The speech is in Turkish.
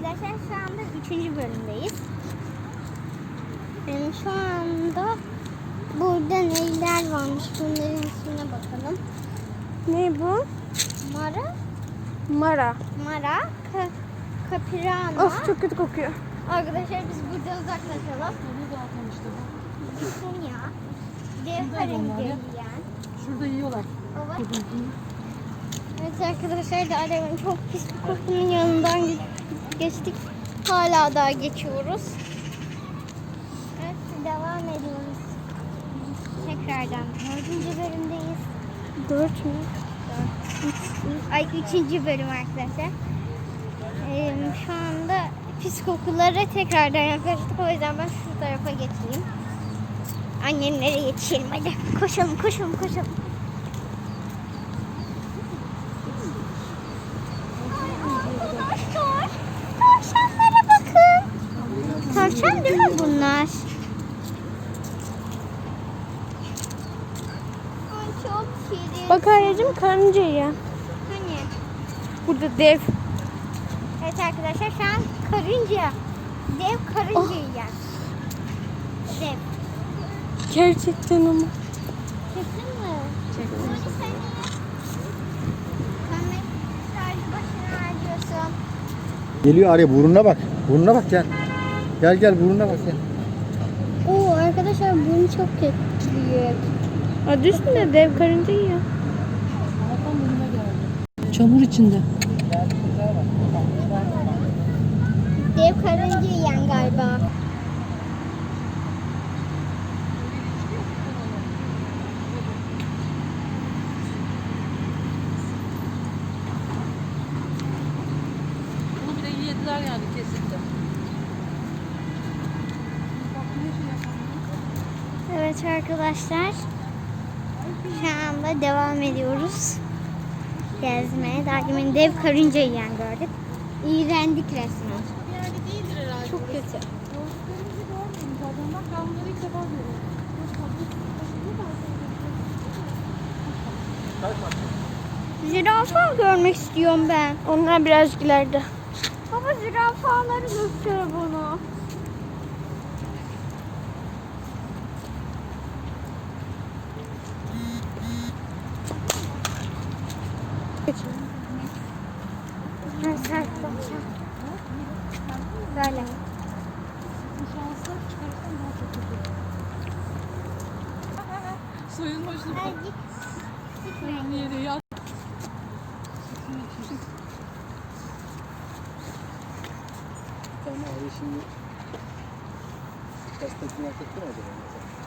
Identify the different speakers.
Speaker 1: arkadaşlar şu anda 3. bölümdeyiz. Şu anda burada neler varmış bunların üstüne bakalım.
Speaker 2: Ne bu?
Speaker 1: Mara.
Speaker 2: Mara.
Speaker 1: Mara. Kapirana.
Speaker 2: Of çok kötü kokuyor.
Speaker 1: Arkadaşlar biz buradan uzaklaşalım. Düşün ya. Dev karınca yiyen.
Speaker 3: Şurada yiyorlar.
Speaker 1: Evet. Evet arkadaşlar da arabanın çok pis bir kokunun yanından geçtik. Hala daha geçiyoruz. Evet devam ediyoruz. Tekrardan 4. bölümdeyiz.
Speaker 2: 4 mü?
Speaker 1: 3. bölüm arkadaşlar. Şu anda pis kokulara tekrardan yaklaştık. O yüzden ben şu tarafa geçeyim. Annemlere yetişelim hadi. Koşalım koşalım koşalım. Arkadaşlar tavşanlara bakın. Tavşan değil mi bunlar? Ay çok şirin.
Speaker 2: Bak anneciğim karınca yiyor.
Speaker 1: Hani?
Speaker 2: Burada dev.
Speaker 1: Evet arkadaşlar şu an karınca. Dev karınca yiyen. Dev.
Speaker 2: Gerçekten ama.
Speaker 1: Çektin mi? Çektim. Mehmet sadece başına harcıyorsun.
Speaker 4: Geliyor araya, burnuna bak. Burnuna bak gel. Gel burnuna bak gel.
Speaker 1: Oo arkadaşlar bunu çok büyük.
Speaker 2: Adı üstünde dev karınca yiyor.
Speaker 3: Çamur içinde.
Speaker 1: Dev karınca yiyen galiba.
Speaker 3: Bunu bile yediler yani kesinlikle.
Speaker 1: Evet arkadaşlar. Şu anda devam ediyoruz. Gezmeye. Daha demin dev karınca yiyen gördük. İğrendik resmen. Çok kötü. Zürafa görmek istiyorum ben.
Speaker 2: Onlar birazcık ileride.
Speaker 1: Baba zürafaları göster bana. Böyle.
Speaker 3: Suyun hoşuna
Speaker 1: Hadi git. Gitmeyin.
Speaker 3: yere yat.
Speaker 4: Abi şimdi gazetesini hak etti mi acaba?